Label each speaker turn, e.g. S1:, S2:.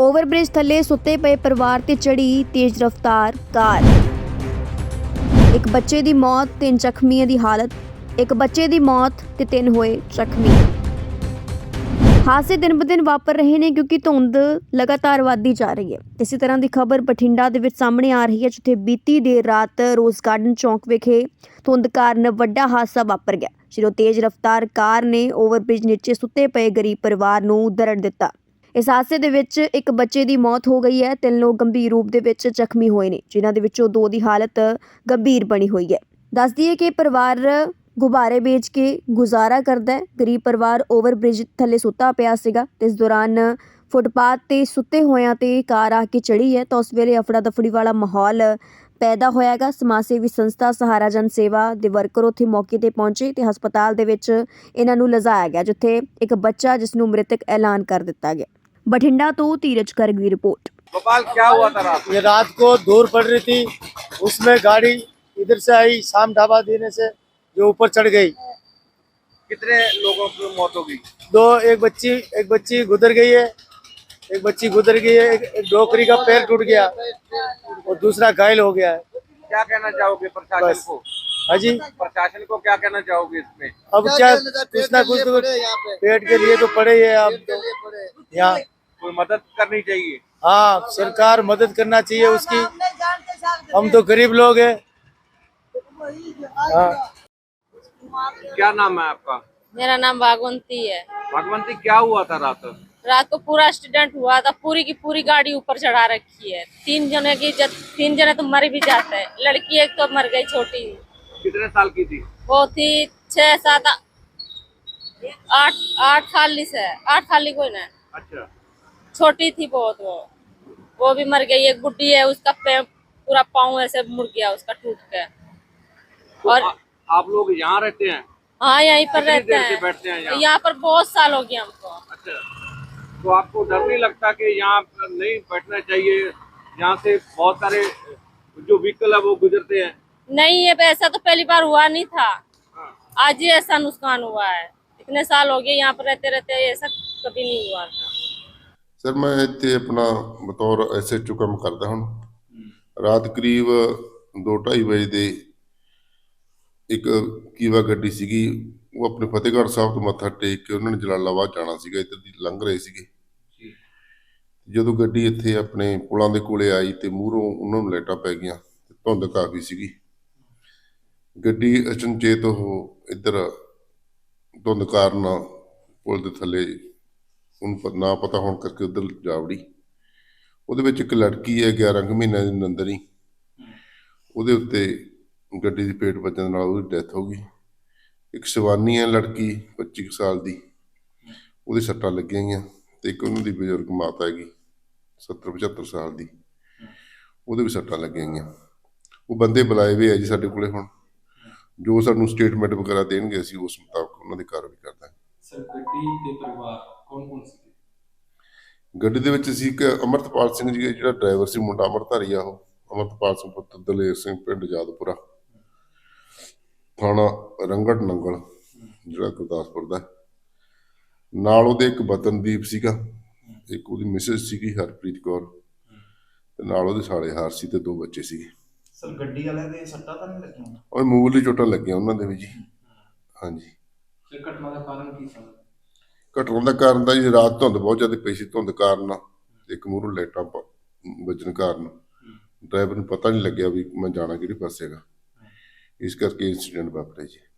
S1: Overbridge थले सुते पे परिवार ते चढ़ी तेज रफ्तार कार। एक बच्चे दी मौत, 3 ਜ਼ਖਮੀਆਂ ਦੀ ਹਾਲਤ। एक बच्चे ਦੀ मौत ਤੇ 3 ਹੋਏ ਜ਼ਖਮੀ। हादसे दिन ब दिन वापर रहे ने क्योंकि धुंध लगातार ਵੱਧਦੀ जा रही है। इसी तरह की खबर बठिंडा ਦੇ ਵਿੱਚ सामने आ रही है, जिथे बीती देर रात रोज़ गार्डन चौक विखे धुंध काਰਨ ਵੱਡਾ हादसा वापर गया। ਜਦੋਂ तेज रफ्तार कार ने ओवरब्रिज नीचे सुते पे गरीब परिवार ਨੂੰ दरड़ ਦਿੱਤਾ। इस हादसे ਦੇ ਵਿੱਚ ਇੱਕ ਬੱਚੇ ਦੀ ਮੌਤ ਹੋ ਗਈ ਹੈ। 3 ਲੋਕ ਗੰਭੀਰ ਰੂਪ ਦੇ ਵਿੱਚ ਜ਼ਖਮੀ ਹੋਏ ਨੇ, ਜਿਨ੍ਹਾਂ ਦੇ ਵਿੱਚੋਂ 2 ਦੀ ਹਾਲਤ ਗੰਭੀਰ ਬਣੀ ਹੋਈ ਹੈ। ਦੱਸ ਦਈਏ ਕਿ ਪਰਿਵਾਰ ਗੁਬਾਰੇ ਵੇਚ ਕੇ ਗੁਜ਼ਾਰਾ ਕਰਦਾ ਹੈ। ਗਰੀਬ ਪਰਿਵਾਰ ਓਵਰਬ੍ਰਿਜ ਥੱਲੇ ਸੁੱਤਾ ਪਿਆ ਸੀਗਾ ਤੇ ਇਸ ਦੌਰਾਨ ਫੁੱਟਪਾਥ ਤੇ ਸੁੱਤੇ ਹੋਇਆਂ ਤੇ ਕਾਰ ਆ ਕੇ ਚੜੀ ਹੈ ਤਾਂ ਉਸ ਵੇਲੇ ਅਫੜਾ ਦਫੜੀ ਵਾਲਾ ਮਾਹੌਲ ਪੈਦਾ ਹੋਇਆਗਾ। ਸਮਾਜ ਸੇਵੀ ਸੰਸਥਾ ਸਹਾਰਾ ਜਨ ਸੇਵਾ ਦੇ ਵਰਕਰ ਉੱਥੇ ਮੌਕੇ ਤੇ ਪਹੁੰਚੇ ਤੇ ਹਸਪਤਾਲ ਦੇ ਵਿੱਚ ਇਹਨਾਂ ਨੂੰ ਲਿਜਾਇਆ ਗਿਆ, ਜਿੱਥੇ ਇੱਕ ਬੱਚਾ ਜਿਸ ਨੂੰ ਮ੍ਰਿਤਕ ਐਲਾਨ ਕਰ ਦਿੱਤਾ ਗਿਆ। बठिंडा तो धीरज गर्ग की रिपोर्ट।
S2: गोपाल, क्या हुआ था रात?
S3: ये रात को धूल पड़ रही थी, उसमें गाड़ी इधर से आई, शाम ढाबा देने से जो ऊपर चढ़ गई।
S2: कितने लोगों की मौत हो गई?
S3: एक बच्ची गुजर गई है, एक डोकरी का पैर टूट गया और दूसरा घायल हो गया है।
S2: क्या कहना चाहोगे प्रशासन को?
S3: हाँ जी,
S2: प्रशासन को क्या कहना चाहोगे इसमें?
S3: अब क्या कुछ ना कुछ तो पेट के लिए तो पड़े ही है। अब तो यहाँ
S2: कोई मदद करनी चाहिए।
S3: हाँ, सरकार मदद करना चाहिए उसकी। हम तो गरीब लोग हैं। हाँ।
S2: क्या नाम है आपका?
S4: मेरा नाम भागवंती है।
S2: भगवंती, क्या हुआ था रात?
S4: रात को पूरा एक्सीडेंट हुआ था, पूरी की पूरी गाड़ी ऊपर चढ़ा रखी है। 3 जने तो मर भी जाते हैं। लड़की एक तो मर गई, छोटी।
S2: कितने साल की थी?
S4: वो थी 6, 7, 8 साल से 8 साल की कोई ना,
S2: अच्छा,
S4: छोटी थी बहुत। वो भी मर गई। एक बुढ़ी है, उसका पूरा पाँव ऐसे मुड़ गया, उसका टूट के।
S2: तो
S4: और
S2: आप लोग यहाँ रहते हैं?
S4: हाँ, यहीं पर
S2: कितनी
S4: रहते
S2: देर से
S4: हैं।
S2: बैठते हैं यहाँ?
S4: यहाँ पर बहुत साल हो गए हमको।
S2: अच्छा, तो आपको डर नहीं लगता कि यहाँ नहीं बैठना चाहिए? यहाँ से बहुत सारे जो व्हीकल है वो गुजरते हैं।
S4: नहीं, ये ऐसा तो पहली बार हुआ नहीं था।
S2: हाँ।
S4: आज ही ऐसा नुकसान हुआ है। इतने साल हो गए यहाँ पर रहते रहते, ऐसा कभी नहीं हुआ था।
S5: सर, मैं इतने अपना बतौर SHO काम करता हूँ। रात करीब 2-2:30 बजे ਦੇ ਇੱਕ ਕੀਵਾ ਗੱਡੀ ਸੀਗੀ, ਉਹ ਆਪਣੇ ਫਤਿਹਗੜ੍ਹ ਸਾਹਿਬ ਤੋਂ ਮੱਥਾ ਟੇਕ ਕੇ ਉਹਨਾਂ ਨੇ ਜਲਾਲਾਬਾਦ ਜਾਣਾ ਸੀਗਾ, ਇੱਧਰ ਦੀ ਲੰਘ ਰਹੇ ਸੀਗੇ। ਜਦੋਂ ਗੱਡੀ ਇੱਥੇ ਆਪਣੇ ਪੁਲਾਂ ਦੇ ਕੋਲੇ ਆਈ ਤੇ ਮੂਹਰੋਂ ਉਹਨਾਂ ਨੂੰ ਲਾਈਟਾਂ ਪੈ ਗਈਆਂ ਤੇ ਧੁੰਦ ਕਾਫੀ ਸੀਗੀ। ਗੱਡੀ ਅਚਨਚੇਤ ਉਹ ਇੱਧਰ ਧੁੰਦ ਕਾਰਨ ਪੁਲ ਦੇ ਥੱਲੇ ਉਹਨੂੰ ਨਾ ਪਤਾ ਹੋਣ ਕਰਕੇ ਉੱਧਰ ਜਾ ਵੜੀ। ਉਹਦੇ ਵਿੱਚ ਇੱਕ ਲੜਕੀ ਹੈ 11 ਕੁ ਮਹੀਨਿਆਂ ਦੀ ਨੰਦਨੀ, ਉਹਦੇ ਉੱਤੇ ਗੱਡੀ ਦੀ ਪੇਟ ਵੱਜਣ ਨਾਲ ਉਹਦੀ ਡੈਥ ਹੋ ਗਈ। ਇੱਕ ਸ਼ਿਵਾਨੀ ਹੈ ਲੜਕੀ 25 ਸਾਲ ਦੀ, ਉਹਦੇ ਸੱਟਾਂ ਲੱਗੀਆਂ ਗਈਆਂ ਤੇ ਇੱਕ ਉਹਨਾਂ ਦੀ ਬਜ਼ੁਰਗ ਮਾਤਾ ਹੈਗੀ 70-75 ਸਾਲ ਦੀ, ਉਹਦੇ ਵੀ ਸੱਟਾਂ ਲੱਗੀਆਂ ਗਈਆਂ। ਉਹ ਬੰਦੇ ਬੁਲਾਏ ਹੋਏ ਆ ਜੀ ਸਾਡੇ ਕੋਲੇ। ਹੁਣ ਜੋ ਸਾਨੂੰ ਸਟੇਟਮੈਂਟ ਵਗੈਰਾ ਦੇਣਗੇ ਅਸੀਂ ਉਸ ਮੁਤਾਬਕ ਉਹਨਾਂ ਦੀ ਕਾਰਵਾਈ ਕਰ ਦਾਂਗੇ।
S6: ਸਰ, ਗੱਡੀ ਤੇ ਪਰਿਵਾਰ ਕੌਣ ਸੀ?
S5: ਗੱਡੀ ਦੇ ਵਿੱਚ ਸੀ ਇੱਕ ਅਮਰਤਪਾਲ ਸਿੰਘ ਜੀ, ਜਿਹੜਾ ਡਰਾਈਵਰ ਸੀ, ਮੁੰਡਾ ਅੰਮ੍ਰਿਤਧਾਰੀ ਆ। ਉਹ ਅਮਰਤਪਾਲ ਸਿੰਘ ਪੁੱਤਰ ਦਲੇਰ ਸਿੰਘ, ਪਿੰਡ ਜਾਦਪੁਰਾ, ਥਾਣਾ ਰੰਗੜ ਨੰਗਲ, ਜਿਹੜਾ ਗੁਰਦਾਸਪੁਰ ਦਾ। ਨਾਲ ਉਹਦੇ ਇੱਕ ਵਤਨਦੀਪ ਸੀਗਾ, ਇੱਕ ਉਹਦੀ ਮਿਸਿਸ ਸੀਗੀ ਹਰਪ੍ਰੀਤ ਕੌਰ, ਤੇ ਨਾਲ ਉਹਦੇ ਸਾਲੇ ਹਾਰਸੀ ਤੇ 2 ਬੱਚੇ ਸੀਗੇ।
S6: ਸਰ, ਗੱਡੀ ਵਾਲਿਆਂ ਦੇ ਸੱਟਾਂ ਤਾਂ ਨਹੀਂ ਲੱਗੀਆਂ?
S5: ਉਹ ਮਾਮੂਲੀ ਚੋਟਾਂ ਲੱਗੀਆਂ ਉਹਨਾਂ ਦੇ ਵੀ ਜੀ। ਹਾਂਜੀ।
S6: ਤੇ ਘਟਨਾ ਦਾ ਕਾਰਨ ਕੀ ਸੀ?
S5: ਘਟਨਾ ਦਾ ਕਾਰਨ ਤਾਂ ਜੀ ਰਾਤ ਧੁੰਦ ਬਹੁਤ ਜ਼ਿਆਦਾ ਪਈ ਸੀ। ਧੁੰਦ ਕਾਰਨ ਇੱਕ ਮੂਹਰੋਂ ਲਾਈਟਾਂ ਵੱਜਣ ਕਾਰਨ ਡਰਾਈਵਰ ਨੂੰ ਪਤਾ ਨਹੀਂ ਲੱਗਿਆ ਵੀ ਮੈਂ ਜਾਣਾ ਕਿਹੜੇ ਪਾਸੇ ਹੈਗਾ, ਇਸ ਕਰਕੇ ਇੰਸੀਡੈਂਟ ਵਾਪਰਿਆ ਜੀ।